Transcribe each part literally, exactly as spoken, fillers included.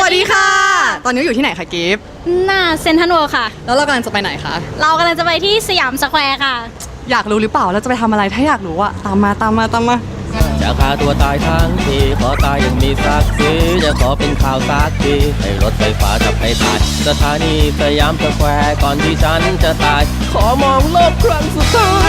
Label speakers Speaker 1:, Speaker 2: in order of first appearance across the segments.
Speaker 1: วัสดีค่ะตอนนี้อยู่ที่ไหนคะกิฟต์
Speaker 2: หน้าเซ็นทรัลเวิลด์ค่ะ
Speaker 1: แล้วเรากำลังจะไปไหนคะ
Speaker 2: เรากำลังจะไปที่สยามสแควร์ค่ะ
Speaker 1: อยากรู้หรือเปล่าเราจะไปทำอะไรถ้าอยากรู้อะตามมาตามมาตามมา
Speaker 3: จะฆ่าตัวตายทั้งทีขอตายอย่างมีศักดิ์ศรีจะขอเป็นข่าวสักทีให้รถไฟฟ้าจับให้ตายสถานีสยามสแควร์ก่อนที่ฉันจะตายขอมองโลกครั้งสุดท้าย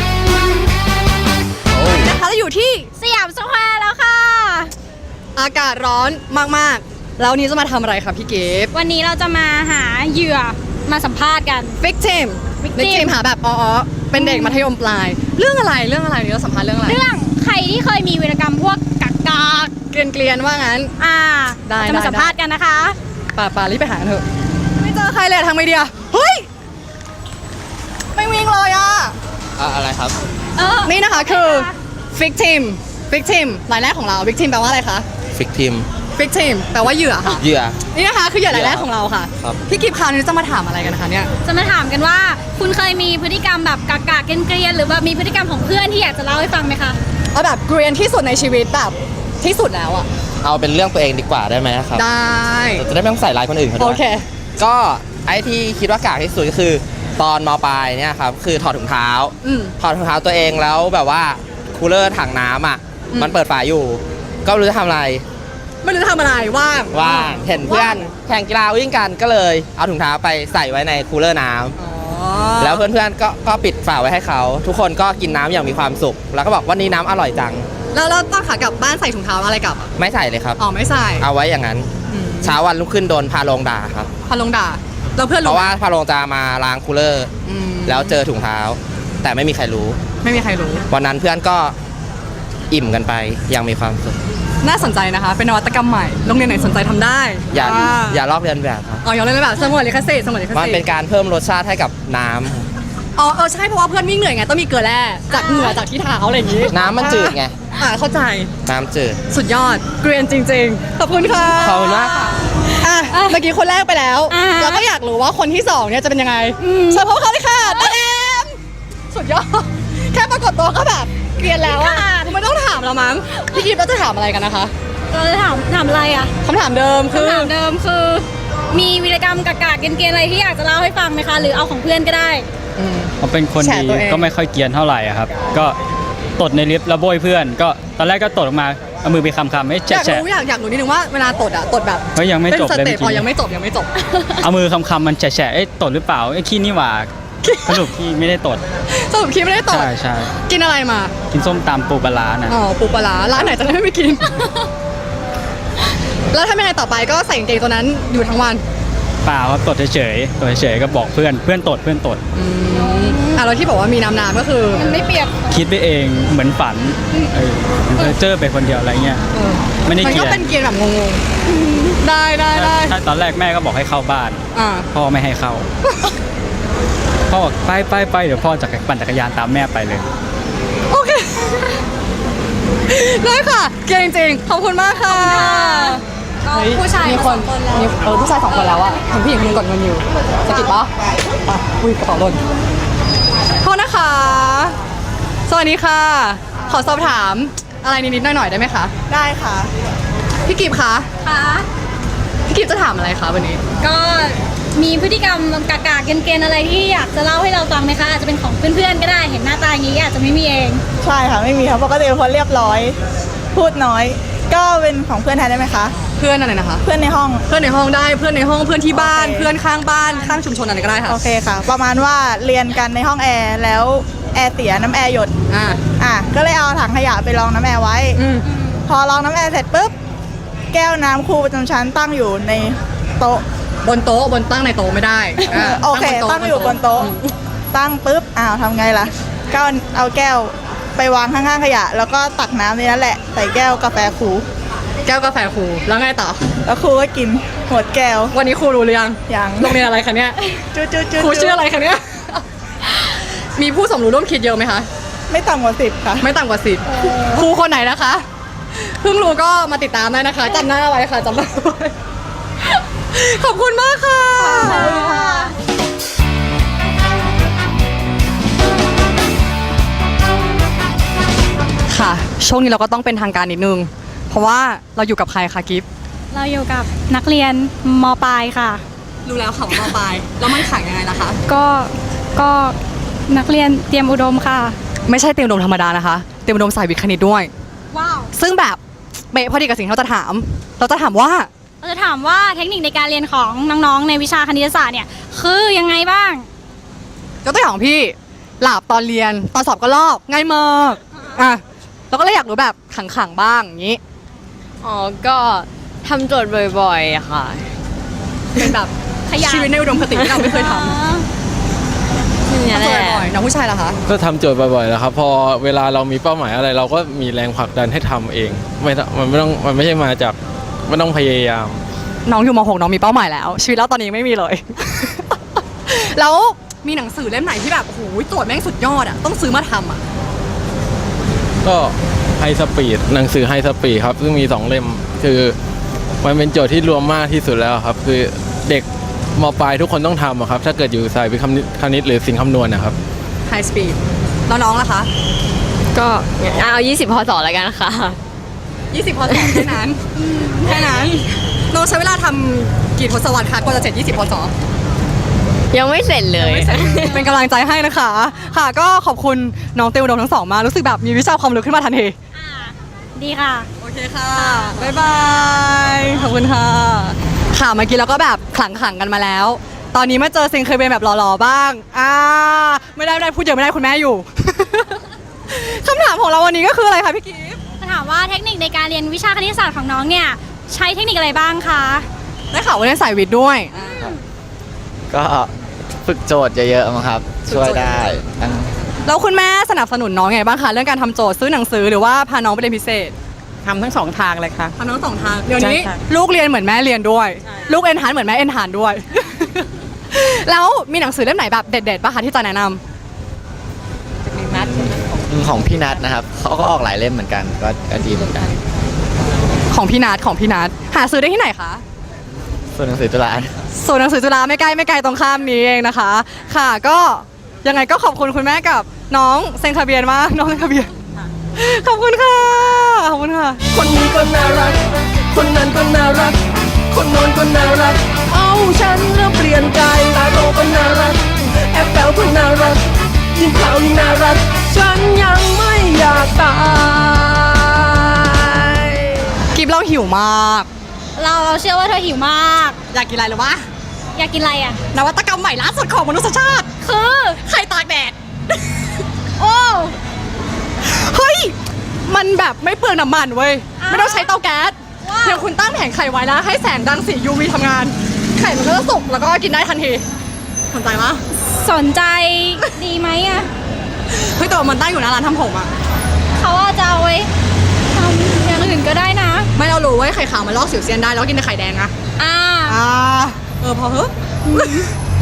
Speaker 1: นะคะเราอยู่ที่
Speaker 2: สยามสแควร์แล้วค่ะ
Speaker 1: อากาศร้อนมากๆแล้วนี้จะมาทำอะไรคะพี่กิฟต์
Speaker 2: วันนี้เราจะมาหาเหยื่อมาสัมภาษณ์กัน
Speaker 1: victim victim หาแบบอ๋อเป็นเด็กมัธยมปลายเรื่องอะไรเรื่องอะไรนี่เราสัมภาษณ์เรื่องอะไร
Speaker 2: เรื่องใครที่เคยมีวีรกรรมพวกกักกาก
Speaker 1: เกลียนเกลียนว่างั้น
Speaker 2: อ่า
Speaker 1: ได้
Speaker 2: จะมาสัมภาษณ์กันนะคะ
Speaker 1: ป่าป่ารีบไปหาเถอะไม่เจอใครเลยทางไมเดียเฮ้ยไม่วิ่งเลยอ่ะ
Speaker 3: อะไรครับ
Speaker 1: นี่นะคะคือ victim victim รายแรกของเรา victim แปลว่าอะไรคะ
Speaker 3: victim
Speaker 1: victim แปลว่าเหยื่อค่ะ
Speaker 3: เหยื่อ
Speaker 1: นี่นะคะคือเหยื่อรายแรกของเราค่ะพี่กิฟต์คราวนี้จะมาถามอะไรกันคะเนี่ย
Speaker 2: จะมาถามกันว่าคุณเคยมีพฤติกรรมแบบกากาเกลียนๆหรือว่ามีพฤติกรรมของเพื่อนที่อยากจะเล่าให้ฟังไหมคะ
Speaker 1: เอาแบบเกรียนที่สุดในชีวิตแบบที่สุดแล้วอะ
Speaker 3: เอาเป็นเรื่องตัวเองดีกว่าได้ไหมครับ
Speaker 1: ได้
Speaker 3: จะได้ไม่ต้องใส่ร้ายคนอื่นเขาด้วย
Speaker 1: โอเค
Speaker 3: ก็ไอ้ที่คิดว่ากากที่สุดก็คือตอนม.ปลายเนี่ยครับคือถอดถุงเท้าถอดถุงเท้าตัวเองแล้วแบบว่าคูลเลอร์ถังน้ำอ่ะมันเปิดฝาอยู่ก็ไม่รู้จะทำอะไร
Speaker 1: ไม่รู้จะทำอะไรว่าง
Speaker 3: ว่างเห็นเพื่อนแข่งกีฬาวิ่งกันก็เลยเอาถุงเท้าไปใส่ไว้ในคูลเลอร์น้ำแล้วเพื่อนๆก็ก็ปิดฝาไว้ให้เขาทุกคนก็กินน้ำอย่างมีความสุขแล้วก็บอกวันนี้น้ำอร่อยจัง
Speaker 1: แล้วเราตอนขากลับบ้านใส่ถุงเท้าอะไรกลับ
Speaker 3: ไม่ใส่เลยครับ
Speaker 1: อ๋อไม่ใส่
Speaker 3: เอาไว้อย่างนั้นเช้าวันรุ่งขึ้นโดนพาลงด่าครับ
Speaker 1: พาลงด่าเราเพื่อน
Speaker 3: เพราะว่าพาลงจะมาล้างคูลเลอร์แล้วเจอถุงเท้าแต่ไม่มีใครรู้
Speaker 1: ไม่มีใครรู้
Speaker 3: วันนั้นเพื่อนก็อิ่มกันไปยังมีความสุข
Speaker 1: น่าสนใจนะคะเป็นนวัตกรรมใหม่โรงเรียนไหนสนใจทำได้
Speaker 3: อย่าอย่าลอกเลียนแบบครับ
Speaker 1: อ๋ออย่าลอกเลียนแบบสมุนลิขสิทธิ์สมุนลิขสิทธิ์
Speaker 3: มันเป็นการเพิ่มรสชาติให้กับน้ำ
Speaker 1: อ๋อเออใช่เพราะว่าเพื่อนวิ่งเหนื่อยไงต้องมีเกลือแร่จากเหงื่อจากที่เท้าอะไรอย่างนี้
Speaker 3: น้ำมันจืดไง
Speaker 1: อ่าเข้าใจ
Speaker 3: น้ำจืด
Speaker 1: สุดยอดเกรียนจริงๆขอบคุณค่ะ
Speaker 3: ขอบคุณมาก
Speaker 1: อ่ะเมื่อกี้คนแรกไปแล้วเราก็อยากรู้ว่าคนที่สองเนี่ยจะเป็นยังไงเชิญพบเขาเลยค่ะตาแอมสุดยอดแค่ปรากฏตัวก็แบบเกรียนแล้วอ่ะไม่ต้องถามเรามั้งพี่กิฟต์เราจะถามอะไรกันนะคะ
Speaker 2: เราจะถามถามอะไรอ่ะ
Speaker 1: คำถามเดิมคือ
Speaker 2: คำถามเดิมคือมีวีรกรรมกากาเกลียนๆอะไรที่อยากจะเล่าให้ฟังไหมคะหรือเอาของเพื่อนก็ได้
Speaker 4: เขาเป็นคนดีก็ไม่ค่อยเกรียนเท่าไหร่ครับก็ตดในลิฟต์แล้วโบยเพื่อนก็ตอนแรกก็ตดออกมาเอามือไปคำๆไม่แฉะ
Speaker 1: อยากรู้อยากอยากรู้นิดนึงว่าเวลาตดอ่ะตดแบบ
Speaker 4: เฮ้ยยังไม่จบเลย
Speaker 1: พอยังไม่จบยังไม่จบ
Speaker 4: เอามือคำๆมันแฉะๆเอ้ตดหรือเปล่าไอ้ขี้นี่หว่าสรุปขี้ไม่ได้ตด
Speaker 1: สรุปขี้ไม่ได้ตด
Speaker 4: ใช่ใช่
Speaker 1: กินอะไรมา
Speaker 4: กินส้มตำปูปลาร้านะ
Speaker 1: อ๋อปูปลาร้าร้านไหนจะได้ไม่ไปกินแล้วทำยังไงต่อไปก็ใส่กางเกงตัวนั้นอยู่ทั้งวัน
Speaker 4: เปล่าครับตดเฉยๆตดเฉยๆก็บอกเพื่อนเพื่อนตดเพื่อนตด
Speaker 1: อ่ะแล้วที่บอกว่ามีน้ำน้ำก็คือ
Speaker 2: มันไม่เปียก
Speaker 4: คิดไปเองเหมือนฝันเออเจอไปคนเดียวอะไรเงี้ยไม่ได้เกลียน
Speaker 1: มันก็เป็นเกลียนแบบงงๆได้ได้ได้
Speaker 4: ใช่ตอนแรกแม่ก็บอกให้เข้าบ้านพ่อไม่ให้เข้าพ่อบอกไปไปไปเดี๋ยวพ่อจะปั่นจักรยานตามแม่ไปเลย
Speaker 1: โอเคได้ค่ะเกลียนจริงๆขอบคุณมากค่ะ
Speaker 2: ผู้ชาย
Speaker 1: มีคนเออผู้ชายสองคนแล้วอะเห็นผู้หญิงคนนึงกดเงินอยู่สะกิดปะอ่ะอุ้ยกระเป๋าหล่นโทษนะคะสวัสดีค่ะขอสอบถามอะไรนิดๆหน่อยๆได้ไหมคะ
Speaker 5: ได้ค่ะ
Speaker 1: พี่กิฟต์คะ
Speaker 2: ค่ะ
Speaker 1: พี่กิฟต์จะถามอะไรคะวันนี้
Speaker 2: ก็มีพฤติกรรมกากาเกลียนๆอะไรที่อยากจะเล่าให้เราฟังไหมคะอาจจะเป็นของเพื่อนๆก็ได้เห็นหน้าตาอย่างนี้อาจจะไม่มีเอง
Speaker 5: ใช่ค่ะไม่มีค่ะปกติเป็นคนเรียบร้อยพูดน้อยก็เป็นของเพื่อนแทนได้ไหมคะ
Speaker 1: เพื่อนอะไรนะคะ
Speaker 5: เพื่อนในห้อง
Speaker 1: เพื่อนในห้องได้เพื่อนในห้องเพื่อนที่บ้านเพื่อนข้างบ้านข้างชุมชนอะไรก็ได้ค่ะ
Speaker 5: โอเคค่ะประมาณว่าเรียนกันในห้องแอร์แล้วแอร์เสียน้ำแอร์หยด
Speaker 1: อ่า
Speaker 5: อ่ะก็เลยเอาถังขยะไปรองน้ำแอร์ไว้พอรองน้ำแอร์เสร็จปุ๊บแก้วน้ำครูประจำชั้นตั้งอยู่ในโต๊ะ
Speaker 1: บนโต๊ะบนตั้งในโต๊ะไม่ได้
Speaker 5: โอเคตั้งอยู่บนโต๊ะตั้งปุ๊บอ้าวทำไงล่ะก็เอาแก้วไปวางข้างๆขยะแล้วก็ตักน้ำในนั้นแหละใส่แก้วกาแฟครู
Speaker 1: แก้วกาแฟครูแล้วไงต่อ
Speaker 5: แล้วครูก็กินหมดแก้ว
Speaker 1: วันนี้ครูรู้หรือยัง
Speaker 5: ยัง
Speaker 1: โรงเรียนอะไรคะเนี่ย
Speaker 5: จุ๊จุ๊
Speaker 1: ครูชื่ออะไรคะเนี่ยมีผู้สมรู้ร่วมคิดเยอะไหมคะ
Speaker 5: ไม่ต่ำกว่าสิบค่ะ
Speaker 1: ไม่ต่ำกว่าสิบครูคนไหนนะคะเพิ่งรู้ก็มาติดตามได้นะคะจำหน้าไว้ค่ะจำหน้าไว้ขอบคุณมากค่ะค่ะช่วงนี้เราก็ต้องเป็นทางการนิดนึงเพราะว่าเราอยู่กับใครคะกิฟต์
Speaker 2: เราอยู่กับนักเรียนมปลายค่ะ
Speaker 1: รู้แล้วค่ะว่ามปลายแล้วมันขังยังไงล่ะคะ
Speaker 2: ก็ก็นักเรียนเตรียมอุดมค่ะ
Speaker 1: ไม่ใช่เตรียมอุดมธรรมดานะคะเตรียมอุดมสายวิทย์คณิตด้วย
Speaker 2: ว้าว
Speaker 1: ซึ่งแบบเป๊ะพอดีกับสิ่งที่เราจะถาม เราจะถามว่า
Speaker 2: เราจะถามว่าเทคนิคในการเรียนของน้องๆ ในวิชาคณิตศาสตร์เนี่ยคือยังไงบ้าง
Speaker 1: ยกตัวอย่างของพี่หลับตอนเรียนตอนสอบก็ลอกง่ายมากอ่ะเราก็เลยอยากรู้แบบขังๆบ้างอย่างนี้
Speaker 6: อ๋อ ก็ทำโจทย์บ่อยๆอะค่ะ
Speaker 1: เป็นแบบ
Speaker 2: ขยัน
Speaker 1: ชีวิตในอุดมคติที่เราไม่เคยท
Speaker 6: นี่
Speaker 1: ำ
Speaker 6: แหละ
Speaker 1: บ่อยๆน้องผู้ชายเหรอคะ
Speaker 7: ก็ทำโจทย์บ่อยๆแล้วครับพอเวลาเรามีเป้าหมายอะไร เราก็มีแรงผลักดันให้ทำเองไม่ต้องมันไม่ต้องมันไม่ใช่มาจากไม่ต้องพยายาม
Speaker 1: น้องอยู่ม .หก น้องมีเป้าหมายแล้ว ชีวิตเราตอนนี้ไม่มีเลย แล้วมีหนังสือเล่มไหนที่แบบโอ้โหโจทย์แม่งสุดยอดอ่ะต้องซื้อมาทำอ่ะ
Speaker 7: ก็ไฮสปีดหนังสือไฮสปีดครับซึ่งมีสองเล่มคือมันเป็นโจทย์ที่รวมมากที่สุดแล้วครับ คือเด็กมปลายทุกคนต้องทำอะครับถ้าเกิดอยู่สายวิทย์คณิตหรือสิ่งคำนวณนะครับ
Speaker 1: High Speed แล้วน้องล่ะคะ
Speaker 6: ก็เอายี่สิบพอสอแล้วกันค่ะ
Speaker 1: ยี่สิบพอสอบแค่นั้นแค่นั้นน้องใช้เวลาทำกี่ทศวรรษคะกว่าจะเสร็จยี่สิบพอสอบ
Speaker 6: ยังไม่เสร็จเลย
Speaker 1: เป็นกำลังใจให้นะคะ ค่ะก็ขอบคุณน้องเตลอุดมทั้งสองมากรู้สึกแบบมีวิชาความรู้ขึ้นมาทันที
Speaker 2: อ่าดีค่ะ
Speaker 1: โอเคค่ะ บ๊ายบาย ขอบคุณค่ะ ค่ะ เมื่อกี้เราก็แบบขลังๆกันมาแล้ว ตอนนี้มาเจอซิงเคยเป็นแบบหล่อๆบ้าง อ่า ไม่ได้ไม่ได้พูดเยอะไม่ได้คุณแม่อยู่ คำถามของเราวันนี้ก็คืออะไรคะพี่กิฟต์
Speaker 2: จะถามว่าเทคนิคในการเรียนวิชาคณิตศาสตร์ของน้องเนี่ยใช้เทคนิคอะไรบ้างคะ
Speaker 1: ได้ข่าวว่าเรียนสายวิทย์ด้วย
Speaker 8: ก็ฝึกโจทย์เยอะๆมั้งครับ ช่วยได้ทั้ง
Speaker 1: แล้วคุณแม่สนับสนุนน้องไงบ้างคะเรื่องการทำโจทย์ซื้อหนังสือหรือว่าพาน้องไปเรียนพิเศษ
Speaker 9: ทำทั้งสองทางเลยค่ะ
Speaker 1: ทำทั้งสองทางเดี๋ยวนี้
Speaker 9: ใช่ค่ะ
Speaker 1: ลูกเรียนเหมือนแม่เรียนด้วย ลูกเอ็นทานเหมือนแม่เอ็นทานด้วย แล้วมีหนังสือเล่มไหนแบบเด็ดๆป่ะคะที่จะแนะนำ
Speaker 8: ของพี่นัทนะครับเขาก็ออกหลายเล่มเหมือนกันก็ก็ดีเหมือนกัน
Speaker 1: ของพี่นัทของพี่นัทหาซื้อได้ที่ไหนคะ
Speaker 8: ส่วนหนังสือตุลา
Speaker 1: ศูนย์หนังสือจุฬาไม่ใกล้ไม่ไกลตรงข้ามนี้เองนะคะ ค่ะก็ยังไงก็ขอบคุณคุณแม่กับน้องเซ็นทะเบียนมากน้องเซ็นทะเบียนขอบคุณค่ะขอบคุณค่ะ
Speaker 3: คนนี้ก็น่ารัก คนนั้นก็น่ารัก คนโน้นก็น่ารัก เอาฉันแล้วเปลี่ยนใจตาโตก็น่ารัก แอปเปิลก็น่ารัก ยิ่งขาวยิ่งน่ารัก ฉันยังไม่อยากตาย
Speaker 1: กิฟเราหิวมาก
Speaker 2: เราเราเชื่อว่าเธอหิวมาก
Speaker 1: อยากกินอะไรหรือวะ
Speaker 2: อยากกินอะไรอ่ะ
Speaker 1: นวัตกรรมใหม่ล่าสุดของมนุษยชาติ
Speaker 2: คือ
Speaker 1: ไข่ตากแดด
Speaker 2: โอ้
Speaker 1: เฮ้ย มันแบบไม่เปลืองน้ำมันเว้ย
Speaker 2: อ้าว
Speaker 1: ไม่ต้องใช้เตาแก๊ส
Speaker 2: ว้าว
Speaker 1: เดี๋ยวคุณตั้งแผงไข่ไว้แล้วให้แสงรังสี ยู วี ทำงาน ไข่มันก็จะสุกแล้วก็กินได้ทันทีสนใจปะ
Speaker 2: สนใจดีไหมอ่ะ
Speaker 1: เฮ้ยแต่ว่ามันตั้งอยู่หน้าร้านทำผมอะ
Speaker 2: เขาอาจจะเอาไว้ทำอย่างอื่นก็ได้นะ
Speaker 1: ไม่เรารู้ว่าไข่ขาวมันลอกสิวเซียนได้แล้วก็กินแต่ไข่แดงนะ
Speaker 2: อ่า
Speaker 1: อ่า เออพอเฮ้